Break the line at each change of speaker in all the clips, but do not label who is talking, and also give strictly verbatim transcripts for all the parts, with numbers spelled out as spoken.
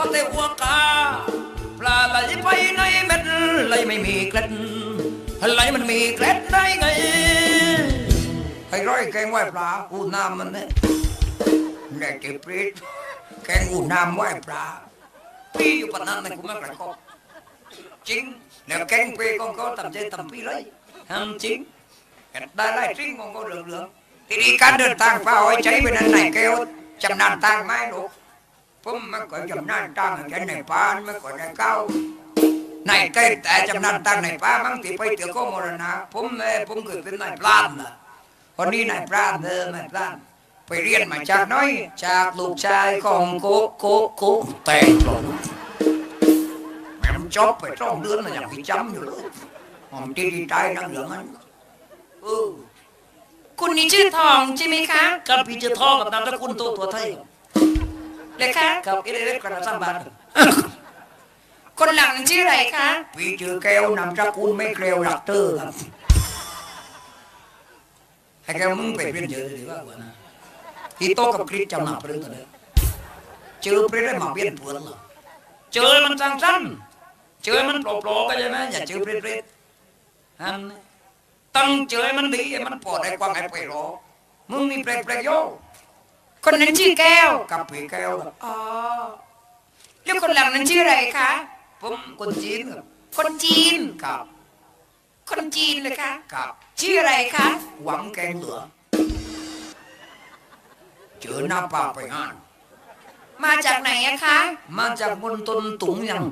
ก็เตะหัวกาปลาไหลไปในเม็ดไหลไม่มีเกล็ดไหลมันมีเกล็ดได้ไงไอ้ร้อยแกงไหวปลาอูน้ำมันเนี่ยแดกเก็บปรีดแกงอูน้ำไหวปลาพี่อยู่ปนนั้นกูไม่กระกอบจริงแล้วแกงปรีก็ก็ทำใจทำพี่เลยทำจริงได้ไล่จริงก็ก็เหลืองๆทีนี้การเดินทางเปล่าไอ้ใจไปนั่นไหนแกวจำนานทางไม่ลูกผมไม่เคยจำนานทางแค่ในป่าไม่เคยได้เก้าในใกล้แต่จำนานทางในป่าบางทีไปเที่ยวก็มรณะผมเลยผมเคยเป็นนายพรานนะคนนี้นายพรานเดิมนายพรานไปเรียนมาจากน้อยจากลูกชายของโกโกโกแต่งหลงแม่จบไปสองเดือนมันยังไปจำอยู่เลยผมที่ดีใจนั่งเหลืองนั้นเออ
คุณนี่ชื่อทองใช่ไหมคะ
กับพี่ชื่อทองกับนามสกุลตัวตัวไทย
เลยคะ
กับเอเล็กกระสัมบัน
คนหลังนั้นชื่ออะไรคะ
พี่ชื่อแก้วนามสกุลไม่เกลียวหลักเตอร์ครับให้แกมึงไปเรียนเยอะดีกว่านะที่โตกับคริสจำหนักเรื่องอะไรเจอเพื่อนได้มาเปลี่ยนเพื่อนเหรอเจอมันสั้นๆเจอมันโปร่ๆก็ใช่ไหมอย่าเจอเพื่อนๆฮันตั้งเจอมันดีมันปลอดได้ความไอ้ไปรอมึงมีเปรย์ๆโย
คนนั้นชื่อแก้ว
กับผีแก้ว
อ๋อแล้วคนหลังนั้นชื่ออะไรคะ
ผมคนจีนครับ
คนจีน
ครับ
คนจีนเลยคะ
ครับ
ชื่ออะไรคะ
หวังแกงเหลือเจอหน้าป่าไปงาน
มาจากไหนอะคะ
มาจากบนต้นตุงยัง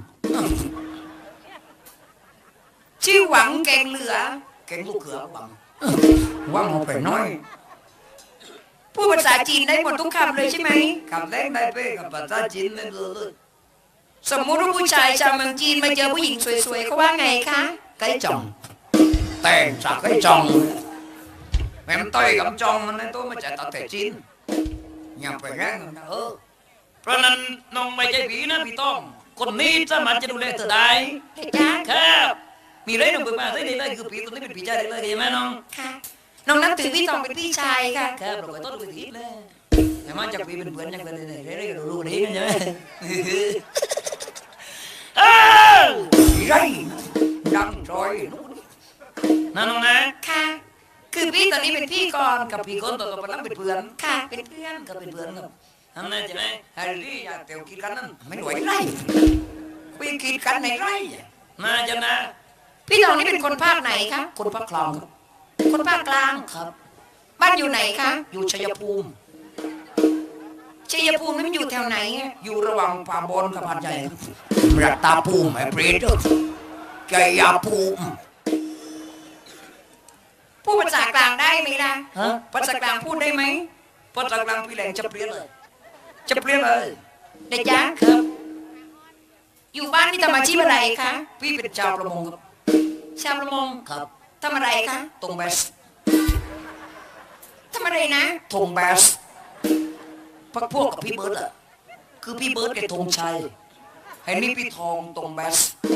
ชื่อหวังแกงเหลือ
แกงลูกเขือหวังหวังเอาไปน้อย
พูดภาษาจีนได้หมดทุกคำเลยใช่ไหม
คำแรกได้เป้กับภาษาจีนไม่รู้เลย
สมมุติว่าผู้ชายชาวเมืองจีนมาเจอผู้หญิงสวยๆเขาว่าไงคะ
ไก่จ่องแต่งจากไก่จ่องแม่ต้อยกับจ่องมันในตัวมาจากตะเตจีนอย่าไปแรงนะเออเพราะนั้นน้องไม่ใช่ผีนะพี่ต้องคนนี้สามารถจะดูแลเธอได้ครับมีอะไรน้องเปิดมาได้เลยคือผีตัวนี้เป็นผีใจได้เลยใช่ไหมน้อง
ค่ะน้องนับถือพี่ตองเป็นพี่ชายค่ะ
ครับเราไปต้นไปทีเลยแต่มาจากพี่เป็นเพื่อนยังไงเลยเรื่อยๆรู้ๆนี้กันใช่ไหมเออไรดังจอยนั่นน้องนะ
ค่ะคือพี่ตอนนี้เป็นพี่ก่อน
กับพี่คนต่อต่อไปแล้วเป็นเพื่อน
ค่ะเป็นเพื่อน
ก็เป็นเพื่อนครับทำไงใช่ไหมแฮร์รี่อยากเตียวกินกันนั่นไม่ไหวไรไปกินกันในไรน่าจะนะ
พี่ตองนี่เป็นคนภาคไหนคะ
คนภาคกลางครับ
คนภาคกลาง
ครับ
บ้านอยู่ไหนคะ
อยู่ชัยภูมิ
ชัยภูมินี่มันอยู่แถวไหน
อยู่ระหว่างป่าบอนกับหาดใหญ่รัตตาภูมิไอ้เปรตชัยภูมิ
พูดภาษากลางได้ไหมล่ะ
ฮะ
ภาษากลางพูดได้ไหม
ภาษากลางพี่แหลงจะเปลี่ยนเลยจะเปลี่ยนเลย
เด็กยักษ์ครับอยู่บ้านนี่ทำอาชีพอะไรคะ
พี่เป็นชาวประมงครับ
ชาวประมง
ครับ
ทำอะไรคะ
ตรงแบส
ทำอะไรนะ
ธงแบสพักพวกกับพี่เบิร์ดอ่ะคือพี่เบิร์ดกับธงชัยให้นี่พี่ทองตรงแบส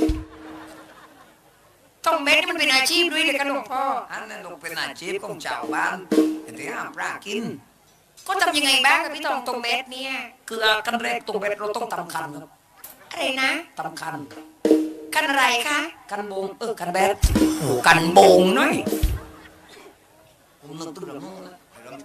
ตรงแบสนี่มันเป็นอาชีพด้วยเลยกันหลวงพ่อ
อันนั้นลงเป็นอาชีพของชาวบ้านที่ห้ามปลากิน
ก็ทำยังไงบ้างกับพี่ทองตรงแบสเนี่ย
คือกันแรกตรงแบสเราต้องตำคันครับ
อะไรนะ
ตำคัน
คันอะไรคะ
คันโบงเออคันแบสโอ้กันโบงน้อยผมนึกตัวเรื่อง